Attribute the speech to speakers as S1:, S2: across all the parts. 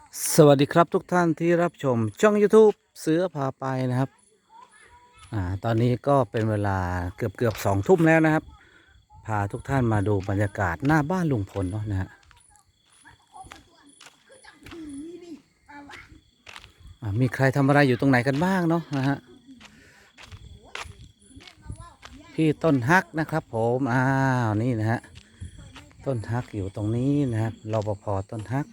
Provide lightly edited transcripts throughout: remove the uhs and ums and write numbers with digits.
S1: สวัสดีครับทุกท่านที่รับชมช่อง YouTube เสือพาไปนะครับตอนนี้ก็เป็นเวลาเกือบ2 ทุ่มแล้วนะครับพาทุกท่านมาดูบรรยากาศหน้าบ้านลุงพลเนาะนะฮะมีใครทำอะไรอยู่ตรงไหนกันบ้างเนาะนะฮะพี่ต้นฮักนะครับผมนี่นะฮะต้นฮักอยู่ตรงนี้นะครับรปภต้นฮัก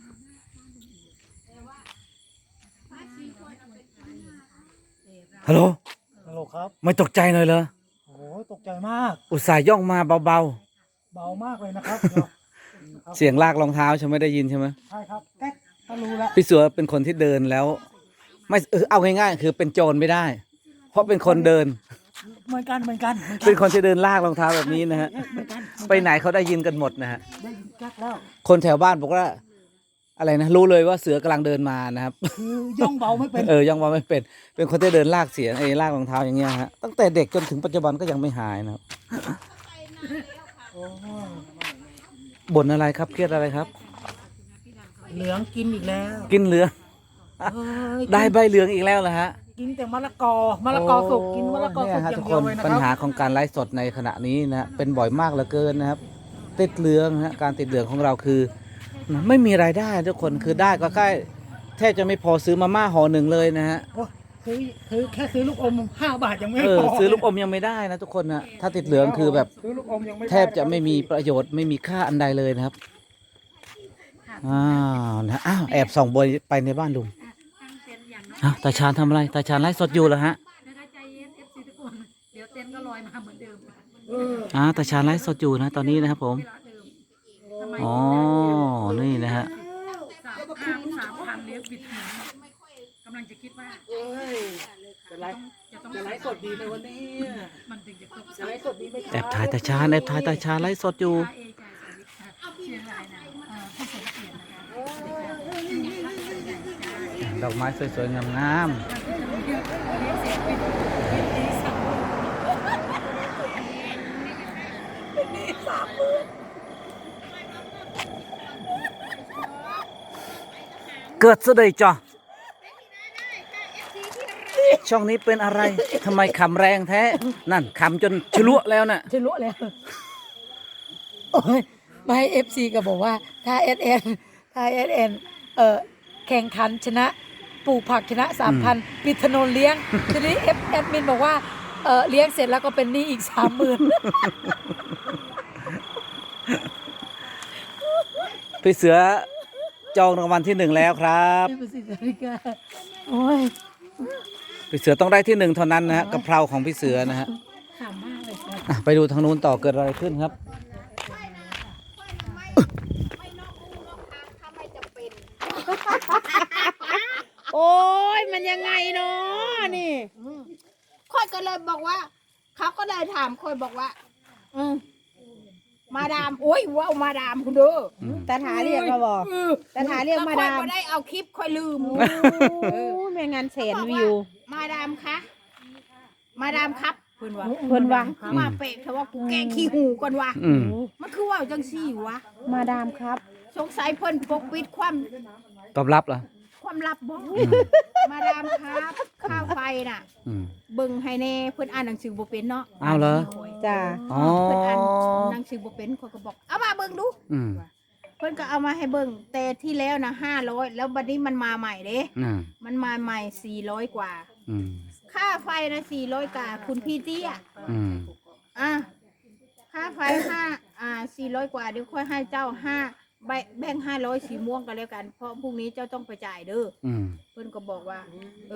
S1: ฮัลโหล
S2: ฮัลโหลครับ
S1: ไม่ตกใจเลยเหรอ
S2: โอ้โหตกใจมาก
S1: อุตส่าห์ย่องมาเบา
S2: เบามากเลยนะครับ
S1: ๆเสียงลากรองเท้าฉันไม่ได้ยินใช่ไหม
S2: ใช่ครับแก๊กก็รู้แล้ว
S1: พี่เสือเป็นคนที่เดินแล้วไม่เอาง่ายๆคือเป็นโจรไม่ได้ เพราะเป็นคนเดิน
S2: เหมือนกัน
S1: เป็นคนที่เดินลากรองเท้าแบบนี้นะฮะ
S2: เหมือนกัน
S1: ไปไหนเขาได้ยินกันหมดนะฮะ
S2: ได้ยินแก๊กแล้ว
S1: คนแถวบ้านบอกว่าอะไรนะรู้เลยว่าเสือกำลังเดินมานะครับ
S2: คือย่องเบาไม่เป็น
S1: ย่องว่าไม่เป็นคนที่เดินลากเสียงลากรองเท้าอย่างเงี้ยฮะตั้งแต่เด็กจนถึงปัจจุบันก็ยังไม่หายนะครับบ่นอะไรครับเครียดอะไรครับ
S2: เหลืองกินอีกแล้ว
S1: กินเหลืองได้ใบเหลืองอีกแล้วเหรอฮะ
S2: กินแต่มะละกอสุกกินมะละกอสุกอย่างเดียวเลยนะ
S1: ปัญ
S2: ค
S1: หา
S2: รับ
S1: ของการไลฟ์สดในขณะนี้นะเป็นบ่อยมากเหลือเกินนะครับติดเหลืองฮะการติดเหลืองของเราคือไม่มีรายได้ทุกคนคือได้ก็แค่แทบจะไม่พอซื้อมาม่าห่อหนึ่งเลยนะฮะ
S2: โอ้ซื้อแค่ซื้อลูกอม5 บาทยังไม่พอ
S1: ซื้อลูกอมยังไม่ได้นะทุกคนนะถ้าติดเหลืองคือแบบ
S2: ซื้อลูกอมยังไม่
S1: แทบจะไม่มีประโยชน์ไม่มีค่าอันใดเลยนะครับแอบส่องบอยไปในบ้านลุงตาชาญทำอะไรตาชาญไลฟ์สดอยู่เหรอฮะ
S3: ใจเย็น FC ทุกคนเดี๋ยวเต้นก็ลอยมาเหมือนเดิม
S1: ตาชาญไลฟ์สดอยู่นะตอนนี้นะครับผมอ๋อนี่นะฮะ
S3: 3,000เลี้ยงบิดหนึ่งกำลังจะคิดว่า
S2: จะไลฟ์สดดีในวันนี้
S3: มันถึงจะครบ
S2: จะไลฟ์สดดีไหม
S1: แอบถ่ายตาชาญไลฟ์สดอยู่
S3: เชียงรายนะผู้สมเกียรตินะคะ
S1: ดอกไม้สวยๆงามๆเกิดซะเลยจ้ะช่องนี้เป็นอะไรทำไมขำแรงแท้นั่นขำจนชลวแล้วน่ะ
S2: จะรู้แล้วโอ้ยไม่FC ก็บอกว่าถ้า SN แข่งขันชนะปลูกผักชนะ 3,000 ปิดถนนเลี้ยงทีนี้แอดมินบอกว่าเลี้ยงเสร็จแล้วก็เป็นหนี้อีก 30,000
S1: พี่เสือจองรางวัลที่ 1แล้วครับ
S2: โอ้ย
S1: พี่เสือต้องได้ที่ 1เท่านั้นนะฮะกะเพราของพี่เสือนะฮะ
S2: ขำมากเลย
S1: ไปดูทางนู้นต่อเกิดอะไรขึ้นครับ
S4: โอ้ยมันยังไงเนาะนี่ค่อยก็เลยบอกว่าเขาก็เลยถามค่อยบอกว่ามาดามโอ้ยว้าวมาดามคุณดู
S5: ตาถาเรียกมาบอกตาถาเรียกมาดาม
S4: ค่อยได้เอาคลิปค่อยลืม
S5: ไม่งั้นแสนวิว
S4: มาดามคะมาดามครับเพิ่นว่ามาเปะเขาว่ากูแกขี้หูก่อนว่ะมันคือว่าจังซี่วะ
S5: มาดามครับ
S4: สงสัยเพิ่นปกปิดความ
S1: ตอบรับเหรอ
S4: ความลับบ่มาดามครับข้าวไฟน่ะเบิ่งให้แน่เพิ่นอ่านหนังสือบ่เป็นเนาะ
S1: อ้าวเหรอ
S5: จ้า
S4: เพิ่นอ่านหนังสือบ่เป็นเขาก็บอกเอามาเบิ่งดูเพิ่นก็เอามาให้เบิ่งแต่ที่แล้วนะ500แล้วบัดนี้มันมาใหม่เด้มันมาใหม่400กว่าค่าไฟนะ400กว่าคุณพี่เตี้ยค่าไฟ400กว่าเดี๋ยวค่อยให้เจ้าแบ่ง500สีม่วงกันแล้วกันเพราะพรุ่งนี้เจ้าต้องไปจ่ายเด้อเพิ่นก็บอกว่า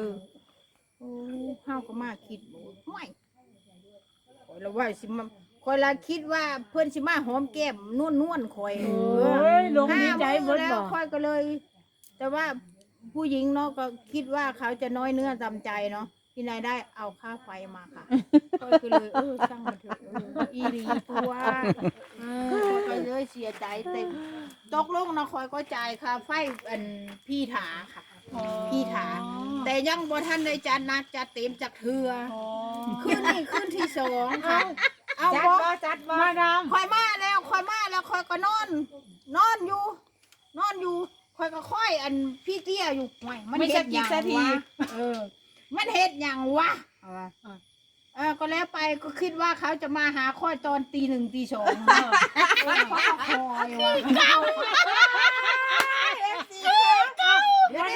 S4: เฮาก็มาคิดห่วยข่อยละว่าสิมาข่อยละคิดว่าเพิ่นสิมาหอมแก้มนวลข่อย
S5: ลงดีใจเบิด
S4: แล้ว
S5: บ่
S4: ข่อยก็เลย แต่ว่าผู้หญิงเนาะก็คิดว่าเขาจะน้อยเนื้อจำใจเนาะที่นายได้เอาค่าไฟมาค่ะข่อยก็เลยช่างมันเถอะอีหลีตัวข่อยเลยเสียใจแต่ตกลงนะข่อยก็จ่ายค่าไฟพี่ถาค่ะพี่ถาแต่ยังบ่ทันได้จัดนักจัดเต็มจัดเทือคืนนี้คืนที่2ค่ะเอา
S5: จัดบ่มาดาม
S4: ข่อยมาแล้วข่อยก็นอนอยู่ข่ค่อยก็ค่อยอันพี่เตี้ยอยู่ห่วยมัน
S3: ไม่
S4: เฮ็
S3: ใช่
S4: ด
S3: กี่
S4: อย่าง
S3: นาที
S4: วะมันเฮ็ดอย่างวะก็แล้วไปก็คิดว่าเขาจะมาหาค่อยตอนตี 1 ตี 2เขาก็คอยว่ะเก่าเดี๋ยว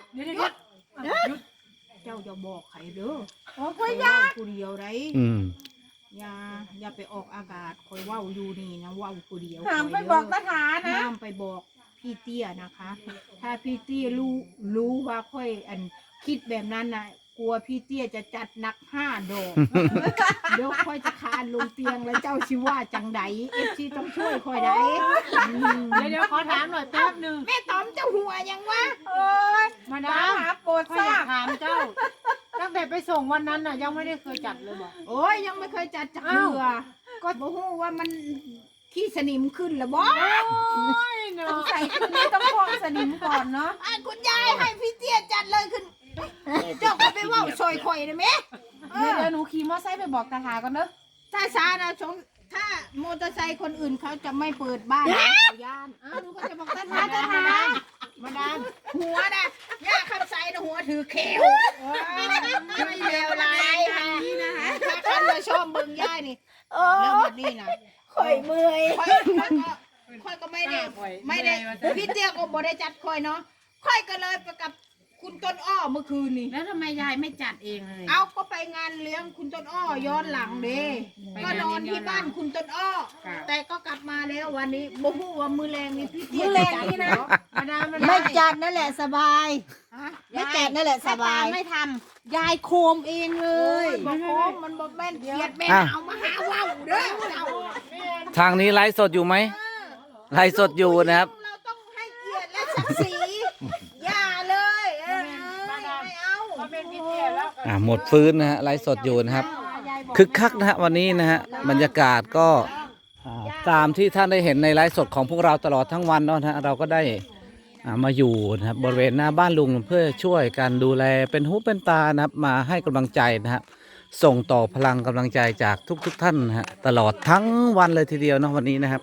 S4: เจ้าจะบอกใครเด้อค่อยยาผู้เดียวไร
S1: อืม
S4: อย่าไปออกอากาศคอยเว้าอยู่นี่นะเว้าผู้เดียว
S5: ถามไปบอกตาถานะ
S4: ห้ามไปบอกพี่เตี้ยนะคะ ถ้าพี่เตี้ยรู้ว่าค่อยอันคิดแบบนั้นนะกลัวพี่เตี้ยจะจัดหนัก5 ดอกเดี๋ยวค่อยจะคานลงเตียงแล้วเจ้าชิว่าจังไดFCต้องช่วยค่อยได้
S3: เดี๋ยวขอถามหน่อยแป๊บหนึง
S4: แม่ตอมเจ้าหัวยังวะ
S3: มา
S5: ตา
S3: ดาม
S5: หาโปรด
S3: ข้อ
S5: ท
S3: ยอ
S5: ราบ
S3: ยากถามเจ้า ตั้งแต่ไปส่งวันนั้นน่ะยังไม่ได้เคยจัดเลยบอก
S4: โอ้ยยังไม่เคยจัดจักเรือก็บ่ฮู้ว่ามันขี้สนิมขึ้นหรือบ่
S5: สงสัยคืนนี้ต้องพองสนิมก่อนเนาะ
S4: คุณยายให้พี่เตี้ยจัดเลยขึ้น เจ้าก็ไปเว่าซอยข่อยได้ไหม
S5: เดี๋ยวหนูขี่มอเตอร์ไซค์ไปบอกตาถาก่อนเด้อ
S4: ถ้าช้านะถ้ามอเตอร์ไซค์คนอื่นเขาจะไม่เปิดบ้านนะเขาย่านหนูก็จะบอกตาทามาดามหัวนะย่าคำใสนะหัวถือเขียวไม่เลวร้ายค่ะถ้าคันมาชอบเบิ่งย่ายนี่แล้วแบบนี้นะข่อยเมื่อยค่อยก็ไม่ได้พี่เตี้ยก็บ่ได้จัดค่อยเนาะค่อยก็เลยไปกับคุณต้นอ้อเมื่อคืนนี่
S3: แล้วทำไมยายไม่จัดเองเลย
S4: เอาก็ไปงานเลี้ยงคุณต้นอ้อย้อนหลังเด้ก็นอนที่บ้านคุณต้นอ้อแต่ก็กลับมาแล้ววันนี้บ่ฮู้ว่ามือแรงนี่พี่เตี้ยจะจัดเหรอ
S3: มาดาม
S5: ไม่จัดนั่นแหละสบาย
S4: ฮะ
S5: ไม่จัดนั่นแหละสบายไม่ทำยายโคมเองเล
S4: เอ้
S5: ย
S4: ยบ่โคมมันบ่แม่นเกียดแม่เอามาหาว่าวเด้อเรา
S1: ทางนี้ไลฟ์สดอยู่ไหมไลฟ์สดอยู่นะครับ
S4: เราต้องให้เกียรติและศักดิ์ศรีอย่าเลยไม่เอา
S3: เป็นพี่เตี้ยแล้ว
S1: หมดฟื้นนะฮะไลฟ์สดอยู่นะครับ คึกคักนะฮะวันนี้นะฮะบรรยากาศก็ตามที่ท่านได้เห็นในไลฟ์สดของพวกเราตลอดทั้งวันเนาะนะฮะเราก็ได้มาอยู่นะครับบริเวณหน้าบ้านลุงเพื่อช่วยกันดูแลเป็นหูเป็นตานะครับมาให้กำลังใจนะครับส่งต่อพลังกำลังใจจากทุกท่านนะฮะตลอดทั้งวันเลยทีเดียวเนาะวันนี้นะครับ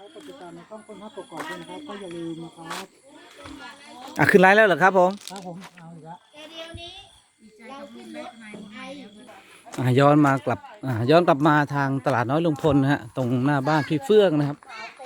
S1: ขึ้นไลฟ์แล้วเหรอครับผมย้อนมากลับย้อนกลับมาทางตลาดน้อยลุงพลนะฮะตรงหน้าบ้านพี่เฟื่องนะครับ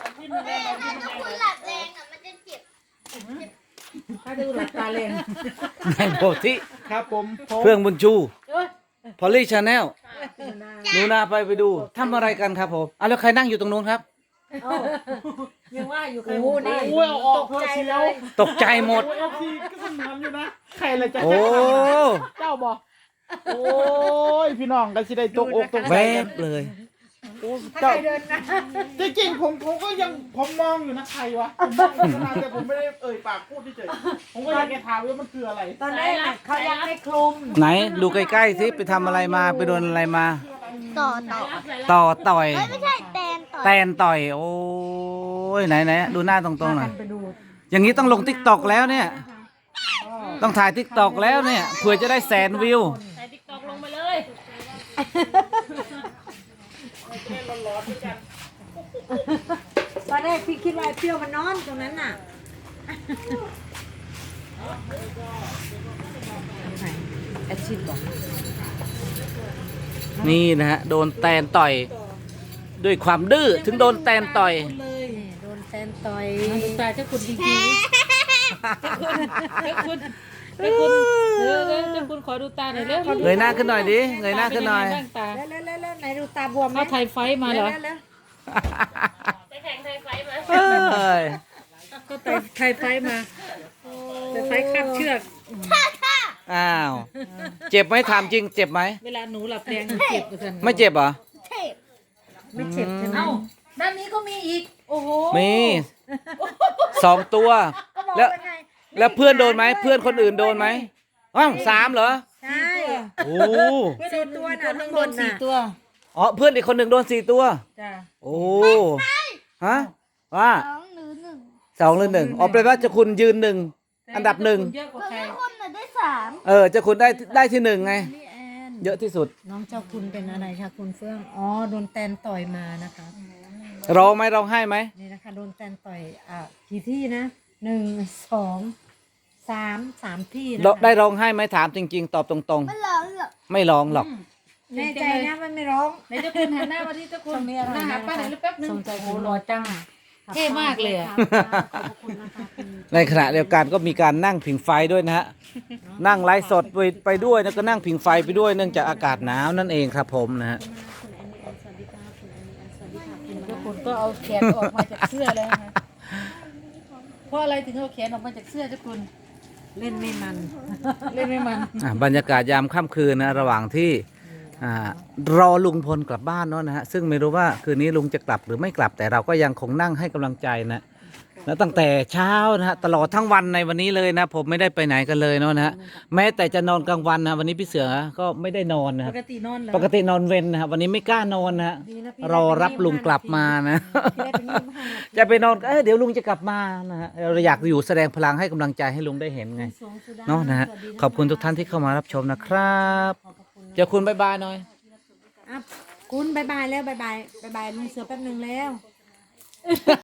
S3: ถ้าดูหลักตาเลน
S1: แมงโพธิ
S3: ครับผม
S1: เฟื่องบุญชูพอลลี่ชาแนลหนูนาไปดูทำอะไรกันครับผมแล้วใครนั่งอยู่ตรงนู้นครับ
S3: ยังว่าอยู่ใคร
S5: โอ้นี่
S3: โอ้ยออกเธอเชียว
S1: ตกใจหมด
S3: เอฟซีก็สนามอยู่นะใครเลยจะ
S1: โอ้
S3: เจ้าบอกโอ้ยพี่น้องกันสิได้ตกอกตก
S1: แว
S3: ใจ
S1: บเลย
S3: เจ้าจริงๆผมก็ยังผมมองอยู่นะใครวะผมมองอยู่นะแต่ผมไม่ได้เอ่ยปากพูดเฉยๆผมก็อยากจะถามว่ามันคืออะไร
S5: ตอนแรกน่ะเขายังไม่คลุม
S1: ไหนดูใกล้ๆสิไปทำอะไรมาไปโดนอะไรมา
S5: ต่อ
S1: ต่อย
S5: ไม่ใช่แตนต่อ
S1: แตนต่อยโอ้ยไหนดูหน้าตรงๆหน่อยอย่างนี้ต้องลงติ๊กตอกแล้วเนี่ย ต้องถ่ายติ๊กตอกแล้วเนี่ยเผื่อจะได้100,000 วิว
S5: ตอนแรกพี่คิดว่าไอ้เปรี้ยวมันนอนตรงนั้นน่ะแอดชิดบอก
S1: นี่นะฮะโดนแตนต่อยด้วยความดื้อถึงโดนแตนต่อย
S5: โดนแตนต่อย
S3: ตายเจ้าคุณจริงๆเจ้าคุณเจ้าคุณขอดูตาหน่อยเร็ว
S1: เงยหน้าขึ้นหน่อยดิเงยหน้าขึ้นหน่อย
S3: ตา
S5: แล้วไหนดูตาบวมไหม
S3: เขาไทยไฟมาเหรอ
S5: แล้ว
S1: เอ้ย
S3: ก็ไทยไฟมาแต่ไฟคาบเชือก
S1: อ้าวเจ็บไหมถามจริงเจ็บไหม
S3: เวลาหนูหลับแรงหนูเจ็บกัน
S1: ไม่เจ็บเหรอ
S5: ไม่เจ็บใช่ไหม
S3: เอ้าด้านนี้ก็มีอีก โอ้โห
S1: มี2 ตัว แล้วแล้วเพื่อนโดนไหมเพื่อนคนอื่นโดนไหมอ้าว3เหรอ
S5: ใช่
S1: โอ้
S5: 4 ตัวน่ะทั้งหมด
S3: สี่
S5: น่ะ
S3: ตัว
S1: อ๋อเพื่อนอีกคนหนึ่งโดน4 ตัว
S3: จ้า
S1: โอ้ฮะว่า2 หรือ 1อ๋อแปลว่าเจะคุณยืน1อันดับ
S3: เยอะกว่าใคร
S1: 1เจะคุณได้ที่ 1ไง
S5: นี่แอน
S1: เยอะที่สุด
S5: น้องเจ้าคุณเป็นอะไรคะคุณเฟื่องอ๋อโดนแตนต่อยมานะคะ
S1: ร้องไหมร้องไห้ไหม
S5: นี่นะคะโดนแตนต่อยกี่ที่นะ
S2: 1 2 3ที่นะ
S1: ได้ร้องไห้ไหมถามจริง ๆ ตอบตรงๆ ไม่ร้องหรอก
S2: แน่ใจนะมันไม่ร้อง
S5: ไหนเจ้าคุณหันหน้ามาที่เจ้าคุณหน้าหาป้าไหนอยแป๊บนึง
S2: สนใจโหรอจัง
S5: เท่มากเลยอะ
S1: ในขณะเดียวกันก็มีการนั่งผิงไฟด้วยนะฮะ นั่งไลฟ์สดไปด้วยแล้วก็นั่งผิงไฟไปด้วยเนื่องจากอากาศหนาวนั่นเองครับผมนะฮะ
S5: เจ้าคุณก็เอาแขนออกมาจากเสื้อแล้วนะคะเพราะอะไรถึงเอาแขนออกมาจากเสื้อเจ้าคุณ
S2: เล่นไม่มัน
S5: เล่นไม่มัน
S1: บรรยากาศยามค่ำคืนนะระหว่างที่รอลุงพลกลับบ้านเนาะนะฮะซึ่งไม่รู้ว่าคืนนี้ลุงจะกลับหรือไม่กลับแต่เราก็ยังคงนั่งให้กำลังใจนะแล้วตั้งแต่เช้านะฮะตลอดทั้งวันในวันนี้เลยนะผมไม่ได้ไปไหนกันเลยเนาะนะฮะแม้แต่จะนอนกลางวันนะวันนี้พี่เสือก็ไม่ได้นอนนะค
S5: ป
S1: รับ
S5: กตินอนเหรอ
S1: ปกตินอนเว้นนะครับวันนี้ไม่กล้านอนนะฮะรอรับลุงกลับมานะ จะไปนอนเดี๋ยวลุงจะกลับมานะฮะเราอยากอยู่แสดงพลังให้กำลังใจให้ลุงได้เห็นไงเนาะนะฮะขอบคุณทุกท่านที่เข้ามารับชมนะครับเจ้าคุณบ๊ายบายหน่อย
S2: คุณบายบายแล้วบายบายลุงเสือแป๊บนึงแล้ว